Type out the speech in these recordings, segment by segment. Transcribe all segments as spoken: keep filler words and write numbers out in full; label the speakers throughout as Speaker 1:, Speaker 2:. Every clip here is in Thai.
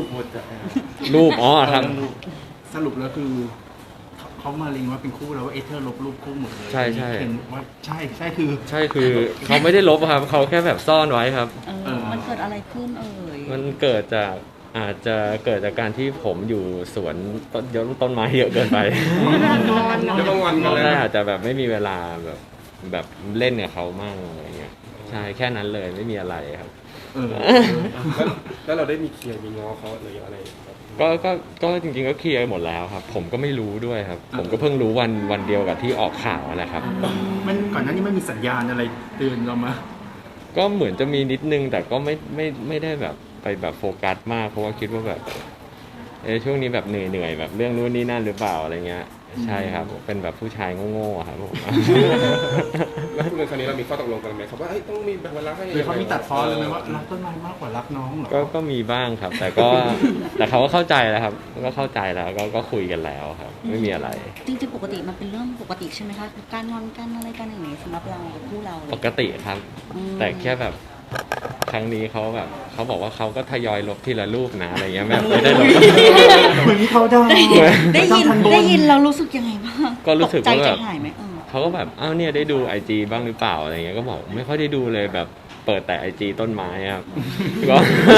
Speaker 1: หมดจ้ะ
Speaker 2: รูปอ๋อครับ
Speaker 3: สรุปแล้วคือเขาเขามาเล็งว่าเป็นคู่แล้วว่าเอเธอร์ลบรูปคู่หมดเลย
Speaker 2: ใช่ใช่
Speaker 3: เห็นว่าใช่ใช่คือ
Speaker 2: ใช่คือเขาไม่ได้ลบครับเขาแค่แบบซ่อนไว้ครับ
Speaker 4: เออมันเกิดอะไรขึ้นเอ่ย
Speaker 2: มันเกิดจากอาจจะเกิดจากการที่ผมอยู่สวนต้นเยอะต้นไม้เยอะเกินไป
Speaker 1: แล้วก็งอนกันเลย
Speaker 2: ได้อาจจะแบบไม่มีเวลาแบบแบบเล่นกับเขามั่งอะไรเงี้ยใช่แค่นั้นเลยไม่มีอะไรครับ
Speaker 3: เออ
Speaker 1: แล้วแล้วเราได้มีเคลียร์มีง้อเขาหรืออะไรครับ
Speaker 2: ก็ก็ก็จริงๆก็เคลียร์หมดแล้วครับ ผมก็ไม่รู้ด้วยครับ ผมก็เพิ่งรู้วันวันเดียวกับที่ออกข่าวนั่นแหละครับ
Speaker 3: มันก่อนหน้านี้ไม่มีสัญญาณอะไรเตือนเรามา
Speaker 2: ก็เหมือนจะมีนิดนึงแต่ก็ไม่ไม่ไม่ได้แบบไปแบบโฟกัสมากเพราะว่าคิดว่าแบบเออช่วงนี้แบบเหนื่อยเหนื่อยแบบเรื่องนู้นนี่นั่นหรือเปล่าอะไรเงี้ยใช่ครับเป็นแบบผู้ชายโง่ๆครับผม
Speaker 1: แล้วทุกเรื่องครั้งนี้เรามีข้อตกลงกันไหมครับว่าเอ้ยต้องมีแบ่งเวลาให้
Speaker 3: หรือเขามีตัดพ้อเลยไหมว่ารักต้นไม้มากกว่ารักน้องเหรอ
Speaker 2: ก็ก็มีบ้างครับ แต่ก็ แต่เขาก็เข้าใจแล้วครับก็เข้าใจแล้วก็ก็คุยกันแล้วครับ ไม่มีอะไร
Speaker 4: จริงๆปกติมันเป็นเรื่องปกติใช่ไหมคะการงอนกันอะไรกันอย่างนี้สำหรับเรากับคู่เราเลย
Speaker 2: ปกติครับ
Speaker 4: อืม
Speaker 2: แต่แค่แบบครั้งนี้เขาแบบเขาบอกว่าเขาก็ทยอยลบทีละรูปนะอะไรเงี้ยแบบไม่ได้ลบ
Speaker 3: เหมือนที่เขาได้
Speaker 4: ได้ยิน
Speaker 3: ม่ต้องทับ
Speaker 4: ได้ยินเรารู้สึกยังไงบ้าง
Speaker 2: ก็รู้สึก
Speaker 4: ตใจ
Speaker 2: ว่าแบบ
Speaker 4: ใจหายไหมเออ
Speaker 2: เขาก็แบบอ้าวเนี่ยได้ดูไอจีบ้างหรือเปล่าอะไรเงี้ยก็บอกไม่ค่อยได้ดูเลยแบบเปิดแต่ไอจีต้นไม้ครับ ก็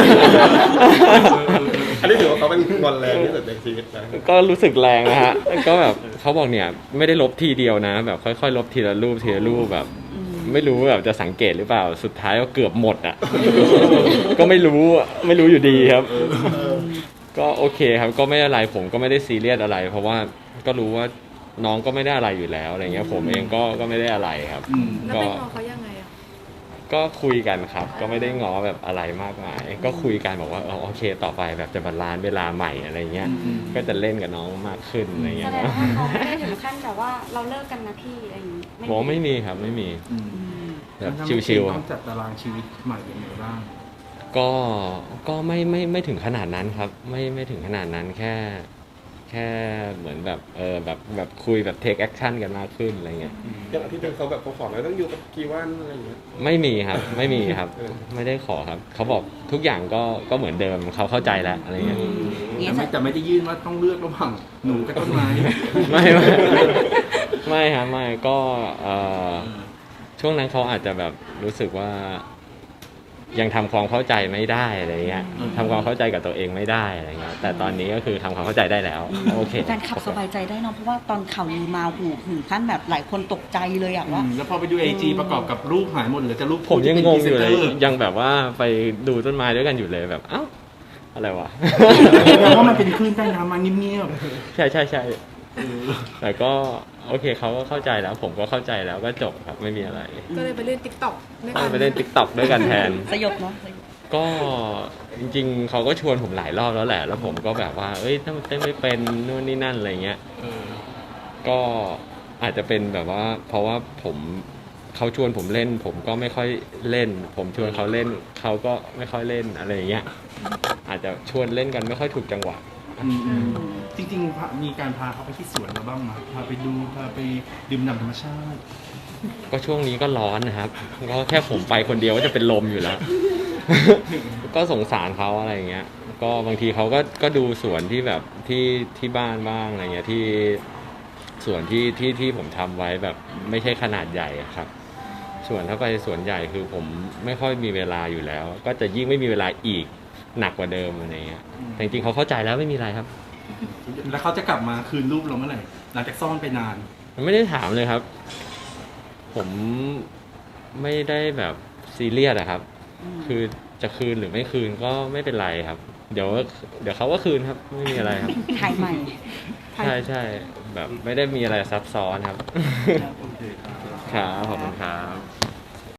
Speaker 1: อันนี้ถือว่าเขาเป็นงอนแรงที่สุดในชีวิตนะ
Speaker 2: ก็รู้สึกแรงนะฮะก็แบบเขาบอกเนี่ยไม่ได้ลบทีเดียวนะ แบบค่อยๆ ลบทีละรูปทีละรูปแบบ ไม่รู้แบบจะสังเกตหรือเปล่าสุดท้ายก็เกือบหมดอ่ะ ก็ไม่รู้ไม่รู้อยู่ดีครับ ก็โอเคครับก็ไม่อะไรผมก็ไม่ได้ซีเรียสอะไร เพราะว่าก็รู้ว่าน้องก็ไม่ได้อะไรอยู่แล้วอะไรเงี้ยผมเองก็ก็ไม่ได้อะไรครับ
Speaker 3: อืม
Speaker 5: แล้ว
Speaker 2: ก็
Speaker 5: ไปง้อเขายังไงอ่ะ
Speaker 2: ก็คุยกันครับ ก็ไม่ได้ง้อแบบอะไรมากมาย ก็คุยกันบอกว่าเออโอเคต่อไปแบบจะบาลานซ์เวลาใหม่อะไรเงี้ย
Speaker 3: อืม
Speaker 2: ก็จะเล่นกับน้องมากขึ้นอะไร
Speaker 6: แส
Speaker 2: เงี้ย
Speaker 6: ดงว่าเขาไม่ได้ถึงขั้นแบบว่าเราเลิกกันนะพี่อะไรอย่างนี้
Speaker 2: บอกว่าไม่มีครับไม่มี
Speaker 3: อืม
Speaker 2: แบบชิวๆค
Speaker 3: ต้
Speaker 2: รั
Speaker 3: อบ งจัดตารางชีวิตใหม่ยังไงบ้าง
Speaker 2: ก็ก็ไม่ไม่ไม่ถึงขนาดนั้นครับ ไม่ไม่ถึงขนาดนั้นแค่ แค่เหมือนแบบเออแบบแบบคุยแบบเทคแอคชั่นกันมากขึ้นอะไรเงี้ย
Speaker 1: อย่างอาทิตย์หนึงเขาแบบเขาขอแล้วต้องอยู่กับกี่วันอะไรอย่างเงี้ย
Speaker 2: ไม่มีครับไม่มีครับ ไม่ได้ขอครับ เขาบอกทุกอย่างก็ก็เหมือนเดิมเขาเข้าใจแล้วอะไรเงี้ย
Speaker 3: แต่ไม่แต่ไม่ได้ยื่นว่าต้องเลือกระหว่างหนูกับต้นไม้
Speaker 2: ไม่ไม่ไม่ครับไม่ก็เอ่อช่วงนั้นเขาอาจจะแบบรู้สึกว่า ยังทำความเข้าใจไม่ได้อะไรเงี้ยทำความเข้าใจกับตัวเองไม่ได้อะไรเงี้ยแต่ตอนนี้ก็คือทำความเข้าใจได้แล้วโอเค
Speaker 4: แฟนคลับสบายใจได้เนอะเพราะว่าตอนข่าวลือมาหูถึงขั้นแบบหลายคนตกใจเลยอะว่า
Speaker 3: อืมแล้วพอไปดูไอจีประกอบกับรูปหายหมดเหลือแต่รูป
Speaker 2: ผมยังงงอยู่เลย
Speaker 3: ที่ป็นพรีซนตอร์
Speaker 2: ยังแบบว่าไปดูต้นไม้ด้วยกันอยู่เลยแบบเอ้าอะไรวะ
Speaker 3: แปลว่ามันเป็นคลื่นใต้น้ำมาเงียบ
Speaker 2: ใช่ใช่ใช่
Speaker 3: ๆเออ
Speaker 2: แต่ก็โอเคเขาก็เข้าใจแล้ว ผมก็เข้าใจแล้วก็จบครับไม่มีอะไร
Speaker 5: ก็เลยไปเล่นติ๊กต็อกด้วย
Speaker 2: ก็
Speaker 5: กัน
Speaker 2: ไปเล่นติ๊กต็อกด้วยกันแทน
Speaker 4: สยบเนาะสยบ
Speaker 2: ก็จริงๆเขาก็ชวนผมหลายรอบแล้วแหละ แล้วผมก็แบบว่า เอ้ยถ้ามันเต้นไม่เป็นนู่นนี่นั่นอะไรเงี้ย
Speaker 3: เออ
Speaker 2: ก็อาจจะเป็นแบบว่า เพราะว่าผมเขาชวนผมเล่น ผมก็ไม่ค่อยเล่น ผมชวนเขาเล่นเขาก็ไม่ค่อยเล่นอะไรอย่างเงี้ยอาจจะชวนเล่นกันไม่ค่อยถูกจังหวะ
Speaker 3: อืมอืมจริงๆพามีการพาเขาไปที่สวนเราบ้างไหมพาไปดูพาไปดื่มด่ำธรรมชาติ
Speaker 2: ก็ช่วงนี้ก็ร้อนนะครับ ก็แค่ผมไปคนเดียวก็จะเป็นลมอยู่แล้ว ก็สงสารเขาอะไรอย่างเงี้ย ก็บางทีเขาก็ก็ดูสวนที่แบบที่ที่บ้านบ้างอะไรเงี้ยที่สวนที่ที่ที่ผมทำไว้แบบไม่ใช่ขนาดใหญ่อะครับ ส่วนถ้าไปสวนใหญ่คือผมไม่ค่อยมีเวลาอยู่แล้ว ก็จะยิ่งไม่มีเวลาอีกหนักกว่าเดิมอะไรเงี้ยแต่จริงๆเขาเข้าใจแล้วไม่มีอะไรครับ
Speaker 3: แล้วเขาจะกลับมาคืนรูปเราเมื่อไหร่หลังจากซ่อนไปนาน
Speaker 2: ไม่ได้ถามเลยครับ ผมไม่ได้แบบซีเรียสอะครับ คือจะคืนหรือไม่คืนก็ไม่เป็นไรครับ เดี๋ยวเดี๋ยวเขาก็คืนครับ ไม่มีอะไรครับ
Speaker 4: ถ่ายใหม่
Speaker 2: ใช่ใช่แบบไม่ได้มีอะไรซับซ้อนครับ
Speaker 3: โอเคครับ
Speaker 2: ครับขอบคุณครับ